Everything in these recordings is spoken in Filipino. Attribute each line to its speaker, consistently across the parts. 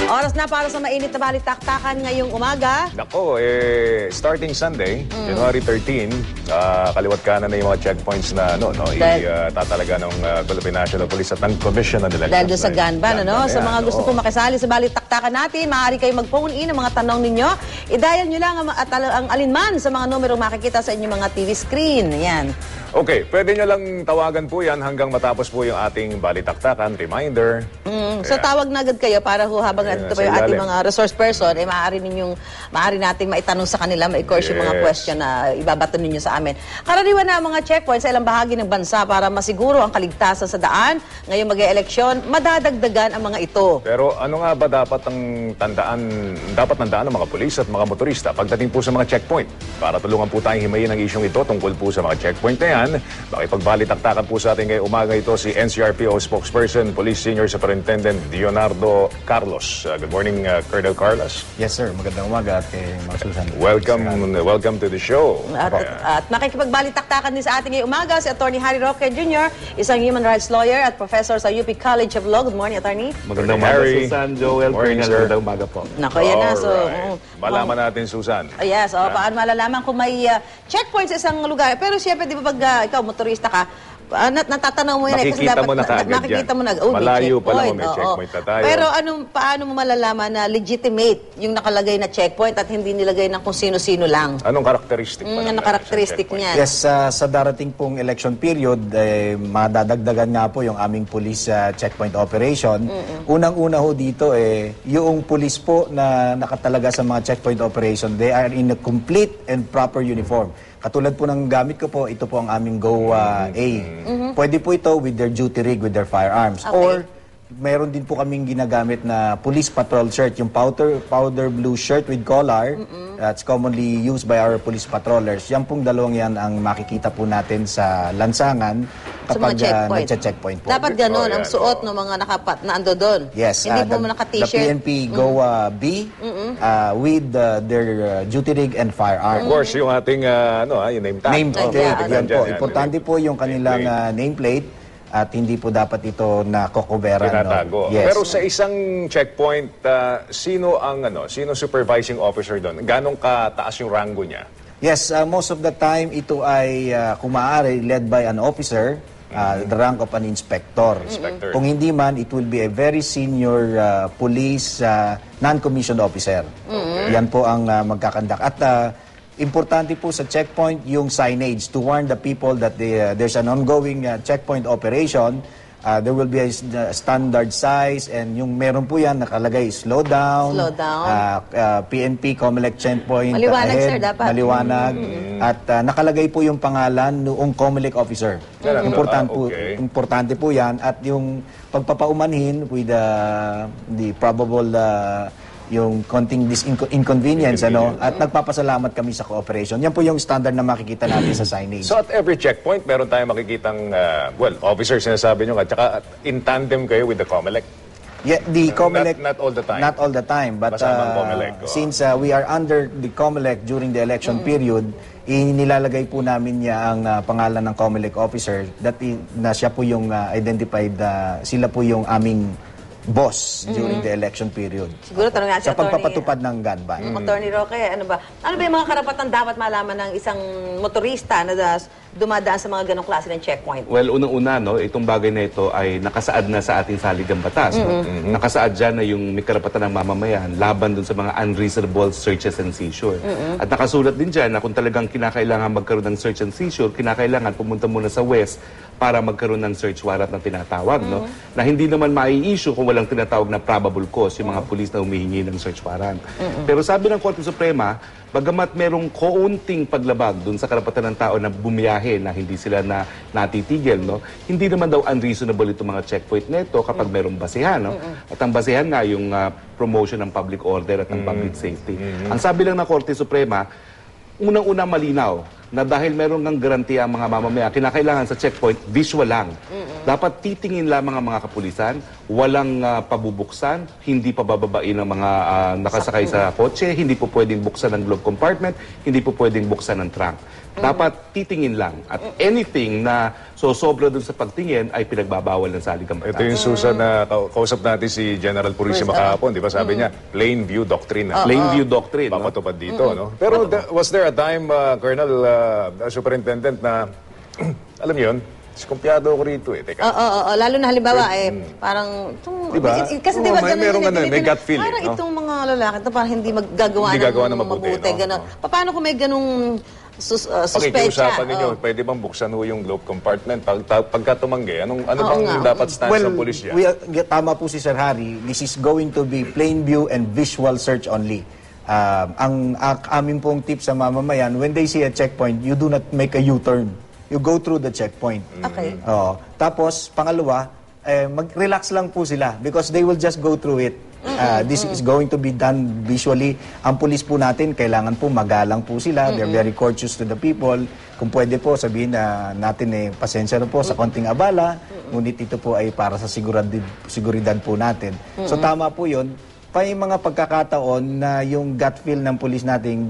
Speaker 1: Oras na para sa mainit na balitaktakan ngayong umaga.
Speaker 2: Nako, starting Sunday, January 13, kaliwat kanan na yung mga checkpoints na tatalaga ng Philippine National Police at ng Commission on Elections.
Speaker 1: Dahil doon sa Ganban, sa mga gusto pong makisali sa balitaktakan natin, maaari kayo mag-phone in ang mga tanong ninyo. I-dial nyo lang ang alinman sa mga numero makikita sa inyong mga TV screen. Yan.
Speaker 2: Okay, pwede nyo lang tawagan po yan hanggang matapos po yung ating balitaktakan, reminder.
Speaker 1: So tawag na agad kayo para habang nandito pa yung ating mga resource person, maaari nating maitanong sa kanila, ma-course yung mga question na ibabato ninyo sa amin. Karaniwan na ang mga checkpoints sa ilang bahagi ng bansa para masiguro ang kaligtasan sa daan. Ngayong mag-e-eleksyon, madadagdagan ang mga ito.
Speaker 2: Pero ano nga ba dapat tandaan ng mga pulis at mga motorista pagdating po sa mga checkpoint? Para tulungan po tayong himayin ang isyong ito tungkol po sa mga checkpoint na yan. Makipagbalitaktakan po sa ating ngayong umaga ito si NCRPO spokesperson, Police Senior Superintendent Leonardo Carlos. Good morning, Colonel Carlos.
Speaker 3: Yes, sir. Magandang umaga at kay Ma'am Susan.
Speaker 2: Welcome to the show.
Speaker 1: At makikipagbalitaktakan din sa ating ngayong umaga si Attorney Harry Roque Jr., isang human rights lawyer at professor sa UP College of Law. Good morning, Attorney.
Speaker 3: Magandang umaga, Susan, Joel, Colonel. Magandang umaga po.
Speaker 1: Nako, yan na. So,
Speaker 2: malaman natin, Susan.
Speaker 1: Yes, paano malalaman kung may checkpoint sa isang lugar. Pero siyempre, di ba pag ikaw, motorista ka, natatanaw mo yan kasi dapat makikita mo na
Speaker 2: malayo pa lang may checkpoint na tayo.
Speaker 1: Pero paano mo malalaman na legitimate yung nakalagay na checkpoint at hindi nilagay ng kung sino-sino lang?
Speaker 2: Anong karakteristik pa
Speaker 1: anong karakteristik niyan?
Speaker 3: Yes, sa darating pong election period, madadagdagan nga po yung aming police checkpoint operation. Unang-una ho dito, yung police po na nakatalaga sa mga checkpoint operation, they are in a complete and proper uniform. Katulad po ng gamit ko po, ito po ang aming GOA A. Pwede po ito with their duty rig, with their firearms.
Speaker 1: Okay.
Speaker 3: Or mayroon din po kaming ginagamit na police patrol shirt, yung powder blue shirt with collar. That's commonly used by our police patrollers. Yan pong dalawang yan ang makikita po natin sa lansangan kapag nagche-checkpoint po.
Speaker 1: Dapat ganun ang suot ng mga na ando doon.
Speaker 3: Yes.
Speaker 1: Hindi po naka-t-shirt.
Speaker 3: The PNP GOA B with their duty rig and firearm.
Speaker 2: Of course, yung ating yung name tag.
Speaker 3: Name plate. Yan po. Importante po yung kanilang nameplate. At hindi po dapat ito nakokoberan.
Speaker 2: Tinatago.
Speaker 3: Yes.
Speaker 2: Pero sa isang checkpoint, sino supervising officer doon? Ganong kataas yung rango niya?
Speaker 3: Yes, most of the time ito ay kung maaari led by an officer, the rank of an inspector. Kung hindi man, it will be a very senior police non-commissioned officer. Yan po ang magkakandak. At importante po sa checkpoint yung signage to warn the people that there's an ongoing checkpoint operation. There will be a standard size and yung meron po yan nakalagay slow down. PNP COMELEC checkpoint
Speaker 1: maliwanag,
Speaker 3: ahead,
Speaker 1: sir, dapat.
Speaker 3: maliwanag. At nakalagay po yung pangalan noong COMELEC officer. Importante po yan at yung pagpapaumanhin with the probable yung konting inconvenience at nagpapasalamat kami sa cooperation. Yan po yung standard na makikita natin sa signage.
Speaker 2: So at every checkpoint, meron tayong makikitang, officers sinasabi nyo, at saka in tandem kayo with the COMELEC?
Speaker 3: Yeah, the COMELEC,
Speaker 2: not all the time.
Speaker 3: Not all the time, but since we are under the COMELEC during the election period, inilalagay po namin niya ang pangalan ng COMELEC officer na siya po yung identified, sila po yung aming boss during the election period.
Speaker 1: Siguro tanong nga si
Speaker 3: sa pagpapatupad ng gun ban.
Speaker 1: Attorney Roque, ano ba yung mga karapatan dapat malaman ng isang motorista na dumadaan sa mga ganong klase ng checkpoint?
Speaker 4: Well, unang-una, itong bagay na ito ay nakasaad na sa ating saligang batas. Nakasaad dyan na yung may karapatan ng mamamayan laban dun sa mga unreasonable searches and seizure. At nakasulat din dyan na kung talagang kinakailangan magkaroon ng search and seizure, kinakailangan pumunta muna sa West para magkaroon ng search warrant na tinatawag, na hindi naman mai-issue kung walang tinatawag na probable cause yung mga pulis na humihingi ng search warrant. Pero sabi ng Korte Suprema, bagamat merong kaunting paglabag dun sa karapatan ng tao na bumiyahe na hindi sila natitigil, hindi naman daw unreasonable itong mga checkpoint nito kapag merong basihan. At ang basihan nga yung promotion ng public order at ng public safety. Ang sabi lang ng Korte Suprema, unang-una malinaw na dahil meron ng garantiya ang mga mamamaya, kinakailangan sa checkpoint, visual lang. Dapat titingin lamang ang mga kapulisan, walang pabubuksan, hindi pa bababain ang mga nakasakay sa kotse, hindi po pwedeng buksan ang glove compartment, hindi po pwedeng buksan ang trunk. Dapat titingin lang. At anything na sobra dun sa pagtingin ay pinagbabawal ng saligang batas.
Speaker 2: Ito yung Susan na kausap natin si General Purisima kahapon, di ba? Sabi niya, plain view doctrine.
Speaker 4: Plain view doctrine. No?
Speaker 2: Papatupad dito, no? Pero was there a time, Colonel, Superintendent, na, alam niyo yun, kumpiyado ako rito eh. Teka.
Speaker 1: Oo, lalo na halimbawa parang
Speaker 2: Diba?
Speaker 1: Kasi diba
Speaker 2: may gut feeling,
Speaker 1: parang
Speaker 2: no?
Speaker 1: itong mga lalaki ito parang hindi
Speaker 2: Hindi gagawa ng mabuti, no?
Speaker 1: Ganon. Paano kung may ganung suspecha?
Speaker 2: Pakikiusapan ninyo, pwede bang buksan ho yung glove compartment? Pagka tumanggi, ano bang dapat stance ng pulisya?
Speaker 3: Tama po si Sir Harry. This is going to be plain view and visual search only. Ang amin pong tip sa mamamayan, when they see a checkpoint, you do not make a U-turn. You go through the checkpoint.
Speaker 1: Okay.
Speaker 3: Tapos, pangalawa, mag-relax lang po sila because they will just go through it. This is going to be done visually. Ang pulis po natin, kailangan po magalang po sila. They're very courteous to the people. Kung pwede po, sabihin na natin pasensya na po sa konting abala, ngunit ito po ay para sa seguridad po natin. So tama po yun. Pa yung mga pagkakataon na yung gut feel ng pulis natin,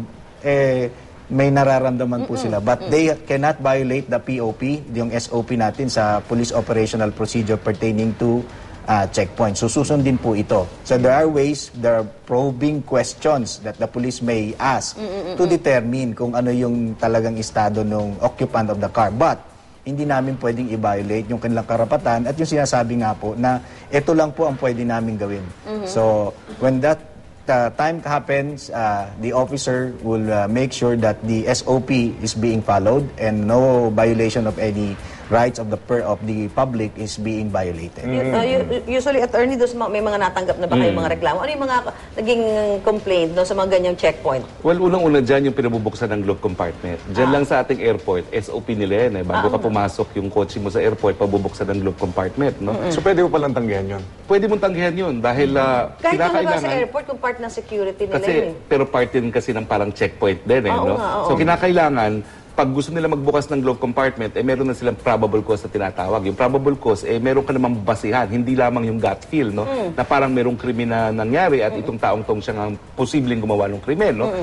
Speaker 3: may nararamdaman po sila. But they cannot violate the POP, yung SOP natin sa Police Operational Procedure pertaining to checkpoint. So susundin po ito. So there are ways, there are probing questions that the police may ask to determine kung ano yung talagang estado ng occupant of the car. But hindi namin pwedeng i-violate yung kanilang karapatan at yung sinasabi nga po na ito lang po ang pwede namin gawin. So when that time happens, the officer will make sure that the SOP is being followed and no violation of any rights of the public is being violated.
Speaker 1: Usually, attorney, may mga natanggap na ba kayong mga reklamo? Ano yung mga naging complaint sa mga ganyang checkpoint?
Speaker 4: Well, unang-una dyan yung pinabubuksan ng glove compartment. Dyan lang sa ating airport, SOP nila yan. Bago ka pumasok yung kotse mo sa airport, pabubuksan ng glove compartment. No?
Speaker 2: So pwede mo palang tanggihan yun?
Speaker 4: Pwede mong tanggihan yun dahil
Speaker 1: kahit naman sa airport, kung part ng security nila
Speaker 4: kasi, pero part din kasi ng parang checkpoint din. No? So kinakailangan, pag gusto nila magbukas ng glove compartment, meron na silang probable cause na tinatawag. Yung probable cause, meron ka namang basihan, hindi lamang yung gut feel, no? Na parang merong krimen na nangyari at itong taong-tong siyang ang posibleng gumawa ng krimen, no?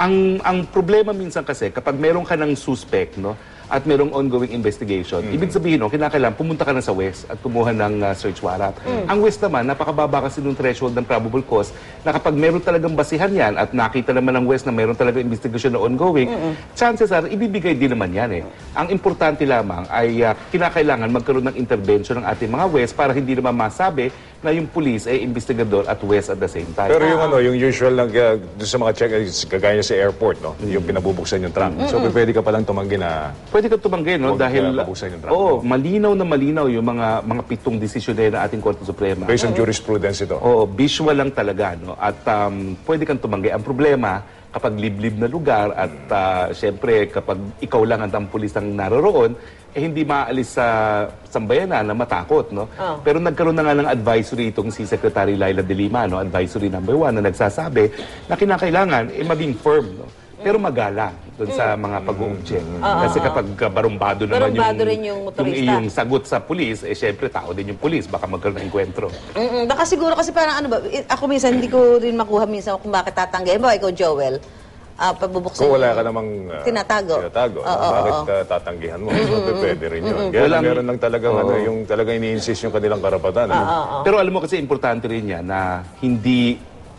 Speaker 4: Ang problema minsan kasi, kapag meron ka ng suspect, no? At merong ongoing investigation. Ibig sabihin, kinakailangan pumunta ka na sa West at kumuha ng search warrant. Ang West naman, napakababa kasi ng threshold ng probable cause na kapag meron talagang basihan yan at nakita naman ng West na meron talagang investigation na ongoing, chances are, ibibigay din naman yan. Ang importante lamang ay kinakailangan magkaroon ng intervention ng ating mga West para hindi naman masabi na yung police ay investigador at West at the same time.
Speaker 2: Pero yung usual lang sa mga check, kagaya sa airport, no? Yung pinabubuksan yung trunk. So pwede ka palang tumanggi na
Speaker 4: pwede ka tumanggi, no? Dahil malinaw na malinaw yung mga pitong desisyon na ating Korte Suprema.
Speaker 2: Based on jurisprudence ito.
Speaker 4: Visual lang talaga, no? At pwede kang tumanggi. Ang problema, kapag liblib na lugar at syempre kapag ikaw lang ang pulis ang naroroon, hindi maalis sa sambayanan na matakot, no? Pero nagkaroon na nga ng advisory itong si Secretary Laila De Lima, no? Advisory number 1 na nagsasabi na kinakailangan maging firm, no? Pero magalang doon sa mga pag-object. Kasi kapag barumbado naman yung sagot sa pulis, syempre tao din yung pulis, baka magkaroon ng enkwentro.
Speaker 1: Baka siguro kasi parang ako minsan hindi ko rin makuha minsan kung bakit tatanggihan. Ba, ikaw Joel, pabubuksan
Speaker 2: kung wala ka namang
Speaker 1: tinatago.
Speaker 2: Bakit tatanggihan mo? Pwede rin yun. Kaya meron lang talagang yung talagang ini-insist yung kanilang karapatan.
Speaker 4: Pero alam mo kasi importante rin yan na hindi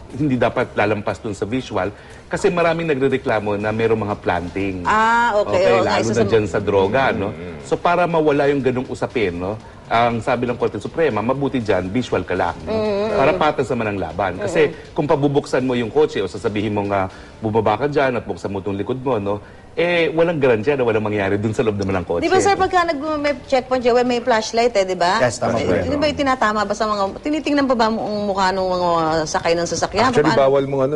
Speaker 4: dapat lalampas dun sa visual kasi maraming nagrereklamo na merong mga planting.
Speaker 1: Okay.
Speaker 4: Lalo na dyan sa droga, no? So para mawala yung ganung usapin, no? Ang sabi ng Korte Suprema, mabuti dyan, visual ka lang. No? Para patas naman ang laban. Kasi kung pabubuksan mo yung kotse o sasabihin mo nga bumaba ka dyan at buksan mo itong likod mo, no? Walang garansya na walang mangyari dun sa loob naman ng kotse.
Speaker 1: Di ba sir, pagka may checkpoint, Joel, may flashlight di ba?
Speaker 3: Yes, tama po.
Speaker 1: Di ba yung tinatama ba sa mga, tinitingnan pa ba mo ang mukha ng mga sakay ng sasakyan?
Speaker 2: Actually, bawal mong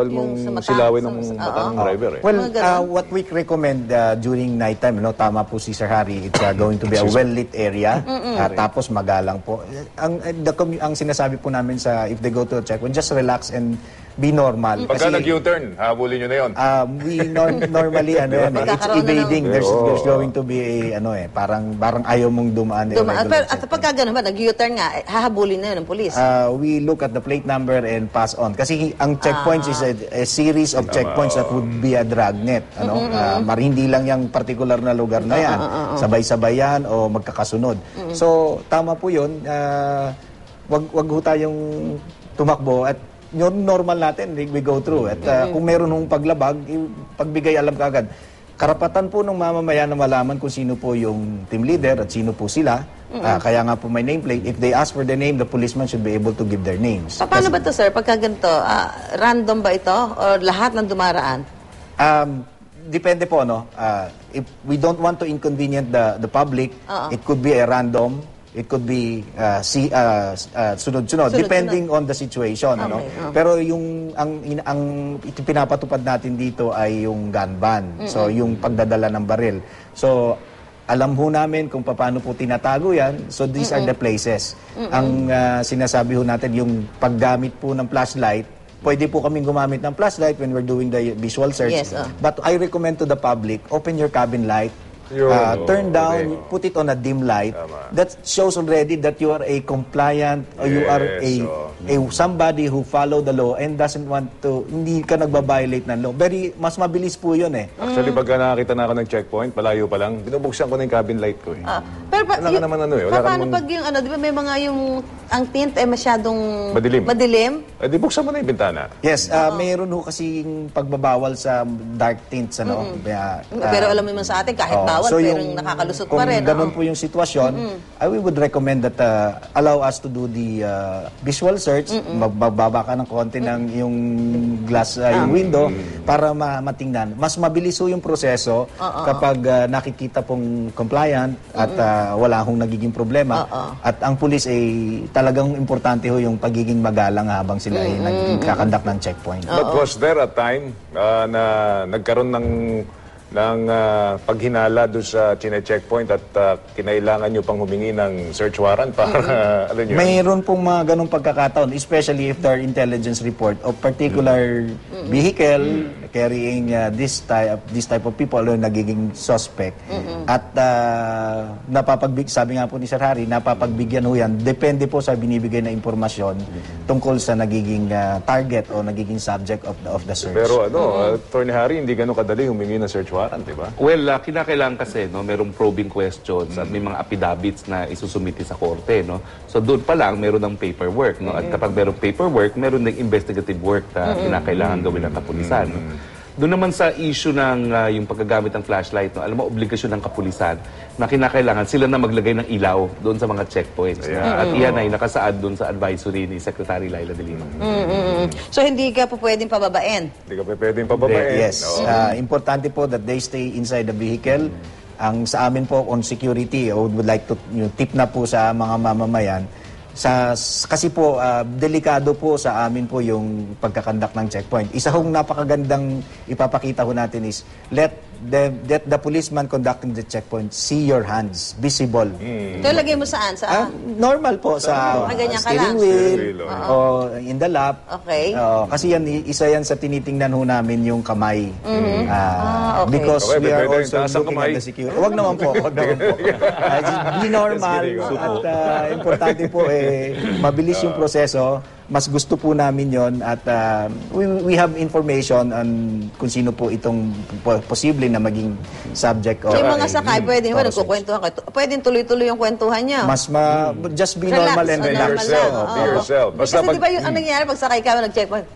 Speaker 2: silawin ng matang driver.
Speaker 3: Well, what we recommend during nighttime, tama po si Sir Harry, it's going to be a well-lit area, tapos magalang po. Ang sinasabi po namin if they go to a checkpoint, just relax and be normal.
Speaker 2: Pagka nag-U-turn, habulin nyo na yun.
Speaker 3: We normally it's
Speaker 1: Magkakaroon na
Speaker 3: evading. There's going to be a parang ayaw mong dumaan.
Speaker 1: Pero at pagka gano'n ba, nag-U-turn nga, hahabulin na yun ng pulis.
Speaker 3: We look at the plate number and pass on. Kasi ang checkpoints is a series of checkpoints that would be a dragnet. Hindi lang yung particular na lugar na yan. Sabay-sabay yan o magkakasunod. So, tama po yun. Wag ho tayong tumakbo at yung normal natin, we go through. At kung meron hong paglabag, pagbigay alam kaagad. Karapatan po ng mamamayan na malaman kung sino po yung team leader at sino po sila. Kaya nga po may nameplate. If they ask for the name, the policeman should be able to give their names.
Speaker 1: Paano ba to, sir? Pagka ganito, random ba ito? O lahat ng dumaraan?
Speaker 3: Depende po, no? If we don't want to inconvenient the public, it could be a random. It could be sunod-sunod, depending on the situation.
Speaker 1: Okay,
Speaker 3: Ano? Pero yung ang pinapatupad natin dito ay yung gun ban. So yung pagdadala ng baril. So alam ho namin kung paano po tinatago yan. So these are the places. Ang sinasabi ho natin, yung paggamit po ng flashlight, pwede po kaming gumamit ng flashlight when we're doing the visual search.
Speaker 1: Yes,
Speaker 3: But I recommend to the public, open your cabin light, turn down, put it on a dim light. That shows already that you are a compliant or you are a somebody who follow the law and doesn't want to, hindi ka nagbabiolate ng law. Mas mabilis po yun eh.
Speaker 2: Actually, pagka nakakita na ako ng checkpoint, palayo pa lang, binubuksan ko na yung cabin light ko.
Speaker 1: Pero
Speaker 2: Wala ka naman wala ka
Speaker 1: paano
Speaker 2: namang-
Speaker 1: pag yung di ba may mga yung ang tint ay masyadong
Speaker 2: Madilim. Eh, di buksan mo na yung bintana.
Speaker 3: Yes, mayroon ho kasing pagbabawal sa dark tints.
Speaker 1: pero alam mo naman sa atin, kahit bawal, pero nakakalusot pa rin.
Speaker 3: Kung ganun po yung sitwasyon, we would recommend that allow us to do the visual search, magbaba ka ng konti ng yung glass, yung window, para matingnan. Mas mabilis ho yung proseso kapag nakikita pong compliant at wala hong nagiging problema. At ang pulis ay talagang importante ho yung pagiging magalang habang sila ay nagkakandak ng checkpoint.
Speaker 2: But was there a time na nagkaroon ng paghinala doon sa chine-checkpoint at kinailangan nyo pang humingi ng search warrant para ano nyo?
Speaker 3: Mayroon pong mga ganong pagkakataon, especially if there are intelligence report of particular vehicle carrying this type of people o nagiging suspect. At sabi nga po ni Sir Harry, napapagbigyan ho yan. Depende po sa binibigay na impormasyon tungkol sa nagiging target o nagiging subject of the search.
Speaker 2: Pero Attorney Harry, hindi ganun kadali humingi ng search warrant, di ba?
Speaker 4: Well, kinakailangan kasi, merong probing questions at may mga affidavits na isusumiti sa korte, no? So doon pa lang, meron ng paperwork, no? At kapag merong paperwork, meron ng investigative work na kinakailangan gawin ng kapulisan, no? Doon naman sa issue ng yung paggagamit ng flashlight, no? Alam mo, obligasyon ng kapulisan na kinakailangan sila na maglagay ng ilaw doon sa mga checkpoints. At iyan ay nakasaad doon sa advisory ni Secretary Laila De Lima.
Speaker 1: So hindi ka po pwedeng pababain?
Speaker 2: Hindi ka pwedeng pababain.
Speaker 3: Yes. Importante po that they stay inside the vehicle. Ang sa amin po on security, I would like to tip na po sa mga mamamayan. Kasi po, delikado po sa amin po yung pagkakandak ng checkpoint. Isa hong napakagandang ipapakita ho natin is let the policeman conducting the checkpoint see your hands, visible.
Speaker 1: Ito lagay mo saan?
Speaker 3: Normal po sa
Speaker 1: ganyan ka
Speaker 3: steering
Speaker 1: lang.
Speaker 3: wheel,
Speaker 2: Steering wheel,
Speaker 3: o in the lap.
Speaker 1: Okay.
Speaker 3: Kasi isa yan sa tinitingnan ho namin yung kamay.
Speaker 1: Okay.
Speaker 3: Because
Speaker 2: Okay,
Speaker 3: we are
Speaker 2: pwede
Speaker 3: also
Speaker 2: taas ang
Speaker 3: looking
Speaker 2: kamay.
Speaker 3: at the security. Huwag naman po. Just be normal. At importante po mabilis yung proseso. Mas gusto po namin yon at we have information on kung sino po itong posible na maging subject.
Speaker 1: Yung mga sakay, pwede naman nagkukwentuhan kayo. Pwedeng tuloy-tuloy yung kwentuhan niya.
Speaker 3: Just be normal and
Speaker 2: Be
Speaker 3: relax.
Speaker 2: yourself. Basta
Speaker 1: Kasi di ba yung ang nangyayari pag sakay ka, nag-checkpoint?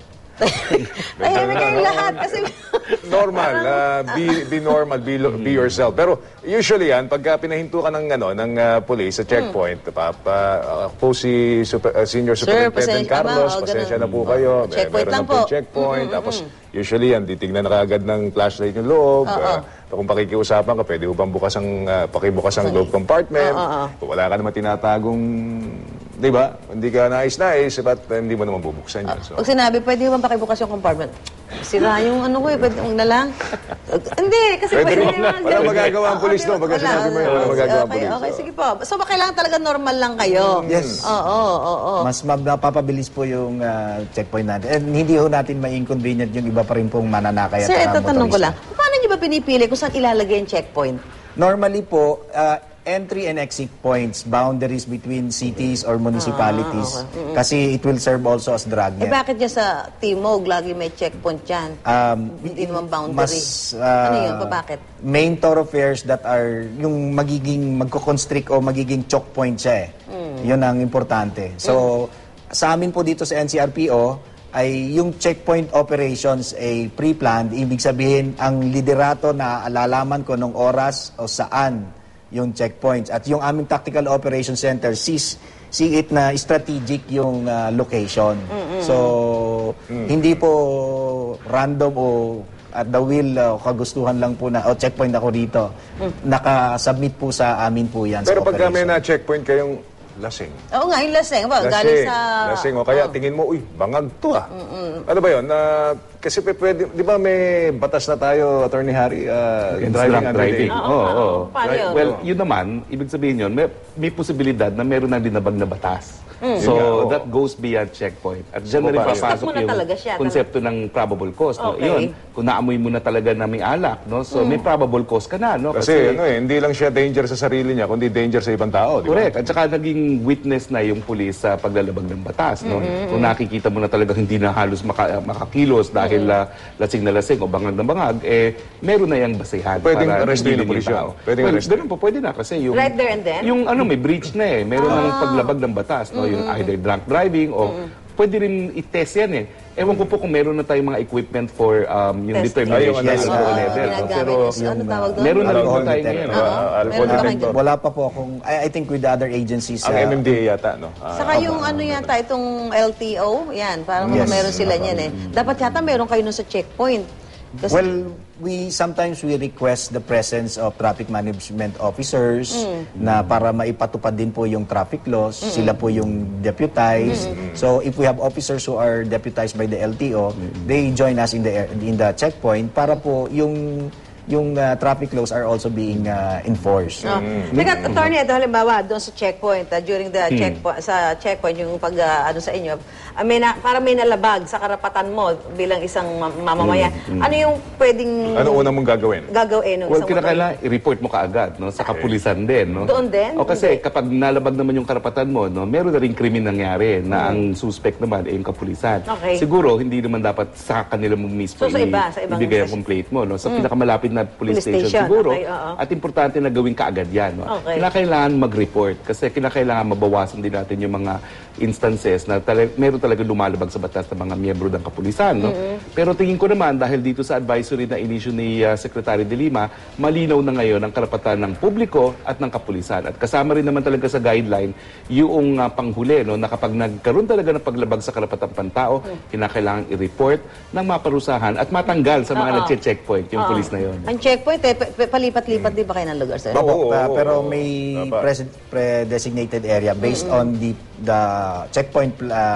Speaker 1: Tahimik kayong lahat kasi...
Speaker 2: Normal, be normal, be yourself. Pero usually yan, pagka pinahinto ka ng police sa checkpoint, po si Senior Superintendent
Speaker 1: pasensya
Speaker 2: Carlos,
Speaker 1: ba? O,
Speaker 2: pasensya na
Speaker 1: ganun.
Speaker 2: po kayo.
Speaker 1: Checkpoint
Speaker 2: Meron
Speaker 1: lang
Speaker 2: na po
Speaker 1: po.
Speaker 2: checkpoint. Tapos usually yan, titignan na kaagad ng flashlight yung loob. Kung pakikiusapan ka, pwede mo bang pakibukas ang loob compartment. Kung wala ka naman tinatagong di ba? Hindi ka nais-nais, ba't hindi mo naman bubuksan yan? So,
Speaker 1: Pag sinabi, pwede ba pakibukas yung compartment? Sira yung ano ko eh, pwede na lang. Hindi, kasi
Speaker 2: Pwede
Speaker 1: pwede
Speaker 2: rin.
Speaker 1: naman.
Speaker 2: Walang magagawa ang pulis, no? Pagka
Speaker 1: Wala.
Speaker 2: sinabi mo yun, walang magagawa ang pulis.
Speaker 1: Okay, sige po. So, kailangan talaga normal lang kayo.
Speaker 3: Yes.
Speaker 1: Oo.
Speaker 3: Mas napapabilis po yung checkpoint natin. And hindi ho natin ma-inconvenient yung iba pa rin pong mananakay at
Speaker 1: Sir, ito tanong ko
Speaker 3: motorista.
Speaker 1: lang. Paano niyo ba pinipili kung saan ilalagay yung checkpoint?
Speaker 3: Normally po, entry and exit points, boundaries between cities or municipalities. Kasi it will serve also as dragnet.
Speaker 1: Bakit niya sa Timog lagi may checkpoint dyan? Hindi naman boundary. Ano yun? Bakit?
Speaker 3: Main thoroughfares that are yung magiging magko-constrict o magiging choke point siya eh. Yun ang importante. So, sa amin po dito sa NCRPO, ay yung checkpoint operations ay pre-planned. Ibig sabihin, ang liderato na alalaman ko nung oras o saan yung checkpoints. At yung aming Tactical Operations Center see it na strategic yung location. So, hindi po random o at the will o kagustuhan lang po na checkpoint ako rito. Nakasubmit po sa amin po yan.
Speaker 2: Pero
Speaker 3: sa
Speaker 2: pagka may
Speaker 3: operation.
Speaker 2: na-checkpoint kayong lasing.
Speaker 1: Oo nga, yung laseng. Galing sa...
Speaker 2: Lasing. O kaya tingin mo, uy, bangag to ah. Ano ba yun? Kasi pwede, di ba may batas na tayo, Attorney Harry,
Speaker 4: Drunk driving. Oo.
Speaker 1: Paano yun?
Speaker 4: Well, yun naman, ibig sabihin yun, may posibilidad na meron na dinabag na batas. So, that goes beyond checkpoint. At dyan na rin
Speaker 2: Stop
Speaker 4: papasok
Speaker 1: mo na
Speaker 4: yung
Speaker 1: talaga siya,
Speaker 4: konsepto ng probable cause. No?
Speaker 1: Okay.
Speaker 4: Yun, kung naamoy mo na talaga na may alak, no? So, may probable cause ka na. No?
Speaker 2: Kasi hindi lang siya danger sa sarili niya, kundi danger sa ibang tao. Di ba?
Speaker 4: Correct. At saka naging witness na yung pulis sa paglalabag ng batas. No? Kung nakikita mo na talaga hindi na halos makakilos dahil lasing na lasing o bangag na bangag, meron na yung basehan.
Speaker 2: Pwedeng
Speaker 4: para
Speaker 2: arrestuin
Speaker 4: hindi
Speaker 2: ng pulis
Speaker 4: tao.
Speaker 2: yun. Pwedeng arrestuin.
Speaker 4: Ganun po, pwede na. Kasi yung,
Speaker 1: Right there and then?
Speaker 4: Yung may breach na eh. Meron ng paglabag ng batas. No? Yung either drunk driving o pwede rin i-test yan eh. Ewan ko po kung meron na tayong mga equipment for yung
Speaker 1: Testing.
Speaker 4: determination
Speaker 2: Yes,
Speaker 4: ng alcohol level. No?
Speaker 1: Ginagamit
Speaker 4: Pero
Speaker 1: yung, ano tawag doon?
Speaker 4: meron na rin po
Speaker 3: Alcohol
Speaker 4: tayo
Speaker 3: detector.
Speaker 4: ngayon.
Speaker 2: Alcohol
Speaker 1: Meron ba
Speaker 2: detector.
Speaker 3: Wala pa po akong, I think with the other agencies.
Speaker 2: Ang MMDA yata, no?
Speaker 1: Saka yung ano yata, itong LTO, yan, parang
Speaker 3: Yes.
Speaker 1: meron sila niyan eh. Dapat yata meron kayo nun sa checkpoint. Kasi,
Speaker 3: Well, sometimes we request the presence of traffic management officers na para maipatupad din po yung traffic laws. Sila po yung deputized. So if we have officers who are deputized by the LTO, they join us in the checkpoint para po yung traffic laws are also being enforced.
Speaker 1: Teka, attorney, ito halimbawa, doon sa checkpoint, during the checkpoint, sa checkpoint, yung pag, ano sa inyo, para may nalabag sa karapatan mo bilang isang mamamayan. Ano yung pwedeng
Speaker 2: Ano una mong gagawin?
Speaker 1: gagawin ng
Speaker 4: Well,
Speaker 1: isang
Speaker 4: kinakailangan i-report mo kaagad no, sa kapulisan din. No?
Speaker 1: Doon din?
Speaker 4: O kasi
Speaker 1: Hindi.
Speaker 4: kapag nalabag naman yung karapatan mo, no, meron na rin krimen nangyari na ang suspect naman ay yung kapulisan.
Speaker 1: Okay.
Speaker 4: Siguro, hindi naman dapat sa kanila mo mismo
Speaker 1: So, sa iba, sa ibang
Speaker 4: ibigay ang
Speaker 1: station.
Speaker 4: complaint mo. No? Sa pinakamalapit na police
Speaker 1: Police
Speaker 4: station,
Speaker 1: station,
Speaker 4: siguro.
Speaker 1: okay, oo.
Speaker 4: At importante na gawin kaagad yan. No?
Speaker 1: Okay.
Speaker 4: Kinakailangan mag-report kasi kinakailangan mabawasan din natin yung mga instances na meron talaga lumalabag sa batas ng mga miyembro ng kapulisan. No? Pero tingin ko naman, dahil dito sa advisory na inisyu ni Secretary De Lima, malinaw na ngayon ang karapatan ng publiko at ng kapulisan. At kasama rin naman talaga sa guideline yung panghuli, no, na kapag nagkaroon talaga ng paglabag sa karapatang pantao, kinakailangan i-report ng maparusahan at matanggal sa mga nagche-checkpoint yung pulis na yun.
Speaker 1: Ang checkpoint, palipat-lipat din ba kayo ng lugar, sir?
Speaker 2: Oo,
Speaker 3: Pero
Speaker 2: oo.
Speaker 3: may
Speaker 2: Dapat.
Speaker 3: pre-designated area based on the checkpoint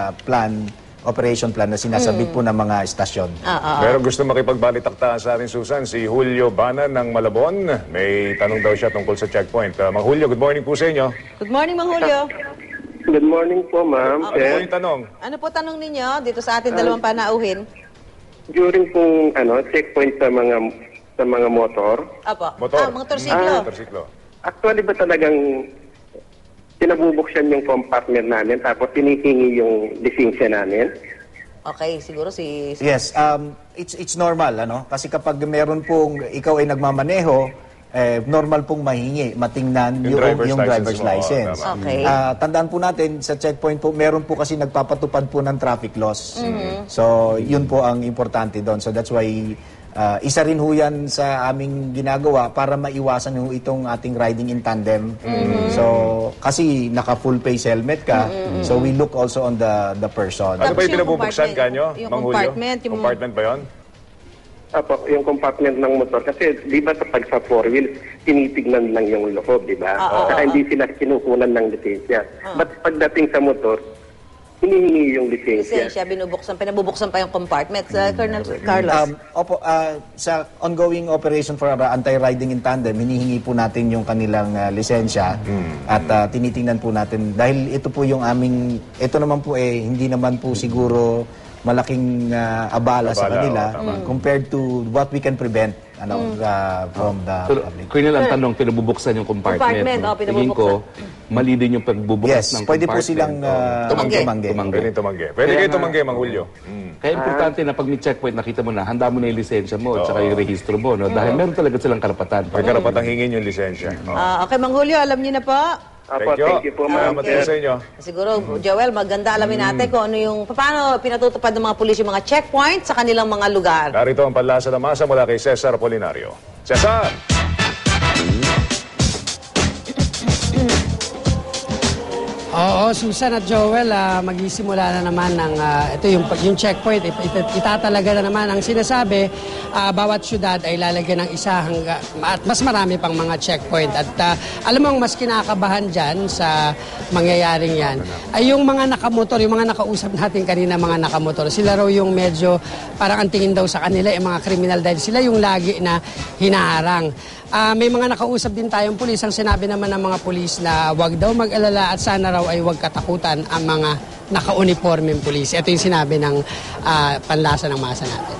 Speaker 3: operation plan na sinasabit po ng mga estasyon.
Speaker 2: Pero gusto makipagbalitaktahan sa atin, Susan, si Julio Bana ng Malabon. May tanong daw siya tungkol sa checkpoint. Mang Julio, good morning po sa inyo.
Speaker 1: Good morning, Mang Julio.
Speaker 5: Good morning po, ma'am.
Speaker 2: Ano po yung tanong?
Speaker 1: Ano po tanong ninyo dito sa ating dalawang panauhin?
Speaker 5: During pong checkpoint sa mga motor,
Speaker 1: Apo.
Speaker 2: Motor.
Speaker 1: Motorsiklo.
Speaker 2: Motorsiklo.
Speaker 5: actually ba talagang pinabubuksan yung compartment namin tapos tinitingi yung lisensya namin?
Speaker 1: Okay, siguro si...
Speaker 3: Yes, it's normal, ano? Kasi kapag meron pong ikaw ay nagmamaneho, normal pong mahingi, matingnan
Speaker 2: Yung driver's
Speaker 3: driver's
Speaker 2: license mo,
Speaker 3: license.
Speaker 2: tama.
Speaker 1: Okay.
Speaker 3: Tandaan po natin, sa checkpoint po, meron po kasi nagpapatupad po ng traffic laws. So, yun po ang importante doon. So, that's why isa rin ho yan sa aming ginagawa para maiwasan ho itong ating riding in tandem. So, kasi naka-full face helmet ka, so we look also on the person.
Speaker 2: Ano ba
Speaker 1: Tapos
Speaker 2: yung
Speaker 1: yung
Speaker 2: pinabubuksan
Speaker 1: compartment,
Speaker 2: kanyo,
Speaker 1: yung
Speaker 2: Mang Julio?
Speaker 1: compartment, yung-
Speaker 2: Compartment ba yun?
Speaker 5: Apo, yung compartment ng motor. Kasi di ba pag sa four wheels, tinitignan lang yung loob, di ba? Saka hindi sila kinukunan ng lisensya. But pagdating sa motor, hinihingi yung lisensya.
Speaker 1: Lisensya, pinabubuksan pa yung compartment. Colonel Carlos.
Speaker 3: Opo, sa ongoing operation for anti-riding in tandem, hinihingi po natin yung kanilang lisensya at tinitingnan po natin. Dahil ito po yung aming, ito naman po hindi naman po siguro malaking abala sa kanila compared to what we can prevent from the public.
Speaker 4: Colonel, ang tanong, pinabubuksan yung compartment. No? Tingin ko, mali din yung pagbubukas ng
Speaker 3: pwede
Speaker 4: compartment.
Speaker 3: po silang tumanggi.
Speaker 2: Pwede kayo tumanggi, Mang Julio.
Speaker 4: Kaya importante na pag may checkpoint, nakita mo na, handa mo na yung lisensya mo at saka yung rehistro mo. No? Dahil meron talaga silang karapatan.
Speaker 2: May karapatang hingin yung lisensya.
Speaker 1: Okay, Mang Julio, alam niyo na po.
Speaker 5: Apo, thank you po, ma'am.
Speaker 2: Salamat sa inyo.
Speaker 1: Siguro, Joel, maganda alamin natin kung ano yung, paano pinatutupad ng mga pulis yung mga checkpoint sa kanilang mga lugar.
Speaker 2: Narito ang panlasa ng masa mula kay Cesar Apolinario. Cesar!
Speaker 6: Oo, Susan at Joel, magsisimula na naman ng ito yung checkpoint. Itatalaga na naman ang sinasabi, bawat syudad ay lalagyan ng isa at mas marami pang mga checkpoint. At alam mo, mas kinakabahan dyan sa mangyayaring yan ay yung mga nakamotor, yung mga nakausap natin kanina, mga nakamotor. Sila raw yung medyo parang ang tingin daw sa kanila yung mga kriminal dahil sila yung lagi na hinaharang. May mga nakausap din tayong pulis. Ang sinabi naman ng mga pulis na wag daw mag-alala at sana raw ay wag katakutan ang mga naka-uniformeng pulis. Ito yung sinabi ng panlasa ng masa natin.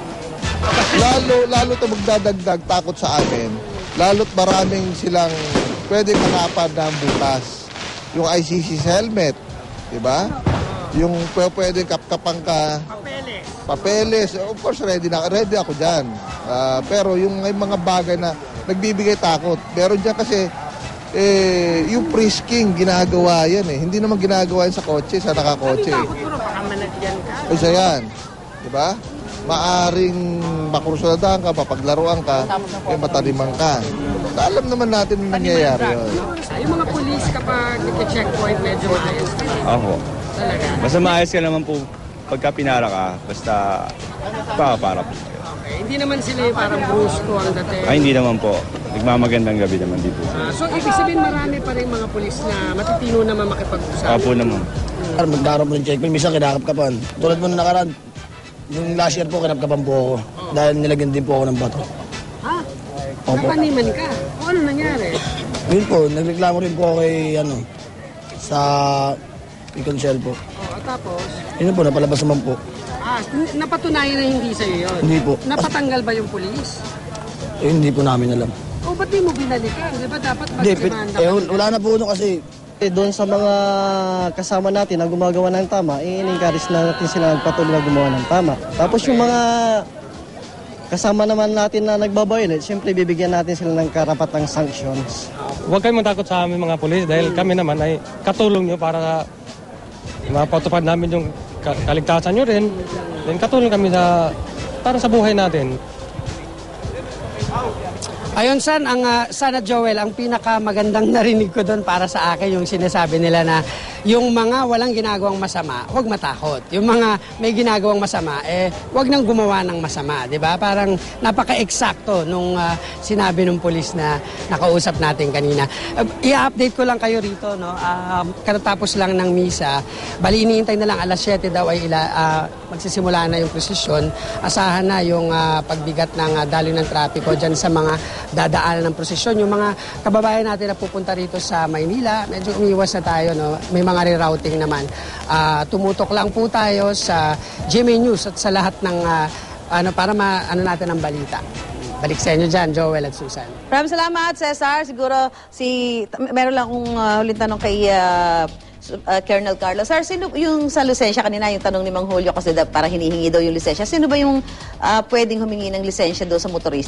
Speaker 7: Lalo ito magdadagdag takot sa amin. Lalo't maraming silang pwedeng hanapan ng butas. Yung ICC sa helmet, di ba? Yung pwedeng kapkapan ka. Papeles. Of course, ready ako dyan. Pero yung mga bagay na nagbibigay takot. Pero dyan kasi, yung frisking, ginagawa yan eh. Hindi naman ginagawa yan sa kotse, sa nakakotse. Isa yan. Diba? Maaring makursuladahan ka, papaglaruan ka, mataliman ka. Alam naman natin yung nangyayari yun.
Speaker 6: Yung mga pulis kapag nag-checkpoint, medyo maayos.
Speaker 8: Ako.
Speaker 6: Talaga.
Speaker 8: Basta maayos ka naman po pagka pinara ka, basta para po.
Speaker 6: Hindi naman sila yung parang brusko ang dating.
Speaker 8: Ay, hindi naman po. Nagmamagandang gabi naman dito.
Speaker 6: So, ibig sabihin marami pa rin mga pulis na matitino naman makipag-usap.
Speaker 8: Opo naman.
Speaker 9: Magdaro mo ng checkpoint, minsan kinakapkapan. Tulad mo na nakaraan, yung last year po, kinapkapan po ako. Dahil nilagyan din po ako ng bato.
Speaker 6: Ha?
Speaker 9: Opo.
Speaker 6: Napaniman ka? O ano nangyari?
Speaker 9: Yun po, nagreklamo rin po ako kay, sa Iconsel po.
Speaker 6: Tapos?
Speaker 9: Yun po, napalabas naman po.
Speaker 6: Napatunayan na hindi sa'yo yun?
Speaker 9: Hindi po.
Speaker 6: Napatanggal ba yung pulis?
Speaker 9: Hindi po namin alam.
Speaker 6: O ba't di mo binalikan? Di ba dapat
Speaker 9: Hindi,
Speaker 6: magsimanda?
Speaker 9: wala na po kasi doon sa mga kasama natin na gumagawa ng tama, in-encourage na natin sila nagpatuloy na gumawa ng tama. Tapos yung mga kasama naman natin na nagbabayolet, siyempre bibigyan natin sila ng karapatang sanctions.
Speaker 10: Huwag kayong matakot sa amin mga pulis dahil kami naman ay katulong nyo para mapatupad namin yung kaligtasan nyo rin. Then katulong kami para sa buhay natin.
Speaker 6: Ayon sana Joel, ang pinakamagandang narinig ko doon para sa akin yung sinasabi nila na yung mga walang ginagawang masama, huwag matakot. Yung mga may ginagawang masama, huwag nang gumawa ng masama, di ba? Parang napaka-eksakto nung sinabi ng pulis na nakausap natin kanina. I-update ko lang kayo rito, no? Katatapos lang ng misa, bali iniintay na lang alas 7 daw ay magsisimula na yung prosesyon. Asahan na yung pagbigat ng daloy ng trapiko dyan sa mga dadaanan ng prosesyon. Yung mga kababayan natin na pupunta rito sa Maynila, medyo umiwas na tayo, no? May mga rerouting naman. Tumutok lang po tayo sa GMA News at sa lahat ng para natin ang balita. Balik sa inyo dyan, Joel at Susan.
Speaker 1: Maraming salamat, Cesar. Siguro meron lang akong huling tanong kay Colonel Carlos. Sir, sino yung sa lisensya kanina, yung tanong ni Mang Julio kasi para hinihingi daw yung lisensya. Sino ba yung pwedeng humingi ng lisensya daw sa motorista?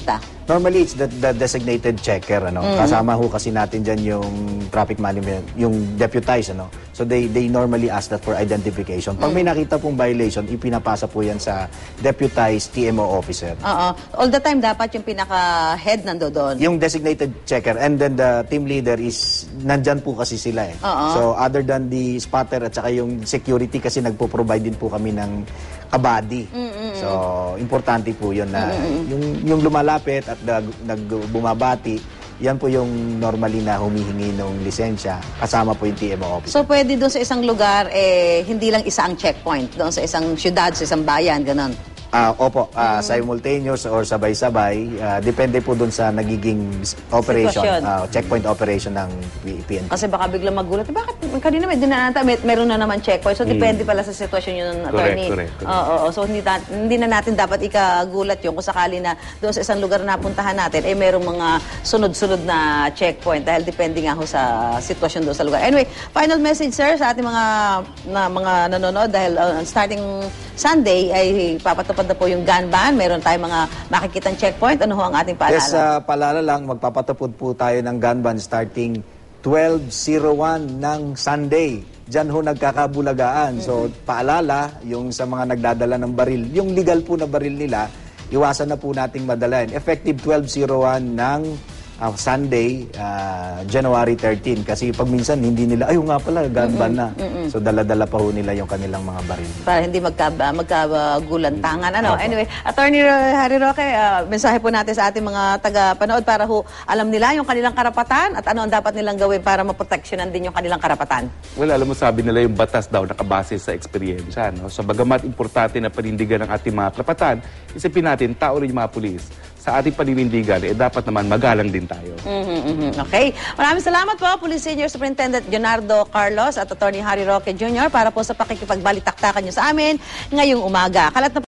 Speaker 3: Normally, it's the designated checker, ano. Kasama ho kasi natin dyan yung traffic management, yung deputized, ano. So, they normally ask that for identification. Pag may nakita pong violation, ipinapasa po yan sa deputized TMO officer.
Speaker 1: Oo. All the time, dapat yung pinaka-head nando doon.
Speaker 3: Yung designated checker, and then the team leader is, nandyan po kasi sila eh. So, other than the spotter at saka yung security, kasi nagpo-provide din po kami ng kabady. So, importante po yun na yung lumalapit at bumabati, yan po yung normally na humihingi ng lisensya, kasama po yung TMO officer.
Speaker 1: So, pwede doon sa isang lugar, hindi lang isa ang checkpoint. Doon sa isang syudad, sa isang bayan, ganon.
Speaker 3: Opo, simultaneous or sabay-sabay, depende po dun sa nagiging operation, checkpoint operation ng PNP.
Speaker 1: Kasi baka biglang magulat, bakit kanina meron na naman checkpoint. So, depende pala sa sitwasyon yun, attorney.
Speaker 4: Correct.
Speaker 1: So, hindi na natin dapat ikagulat yun kung sakali na doon sa isang lugar na puntahan natin, merong mga sunod-sunod na checkpoint dahil depende nga ho sa sitwasyon doon sa lugar. Anyway, final message, sir, sa ating mga nanonood dahil starting Sunday ay papatupad na po yung gun ban. Meron tayong mga makikitang checkpoint. Ano ho ang ating paalala?
Speaker 3: Yes, paalala lang, magpapatupad po tayo ng gun ban starting 12:01 ng Sunday. Diyan ho nagkakabulagaan. So, paalala, yung sa mga nagdadala ng baril, yung legal po na baril nila, iwasan na po nating madalayan. Effective 12:01 ng Sunday, January 13. Kasi pag minsan, hindi nila, ayun nga pala, gun ban na. So, dala-dala pa ho nila yung kanilang mga baril.
Speaker 1: Para hindi magkagulantangan. Anyway, Attorney Harry Roque, mensahe po natin sa ating mga taga-panood para ho alam nila yung kanilang karapatan at ano ang dapat nilang gawin para maproteksyonan din yung kanilang karapatan.
Speaker 4: Well, alam mo, sabi nila yung batas daw nakabase sa eksperyensya. No? So, bagamat importante na panindigan ng ating mga karapatan, isipin natin, tao rin yung mga pulis. Sa ating paninindigan, dapat naman magalang din tayo.
Speaker 1: Okay. Maraming salamat po, Police Senior Superintendent Leonardo Carlos at Attorney Harry Roque Jr. para po sa pakikipagbalitaktakan nyo sa amin ngayong umaga. Kalat na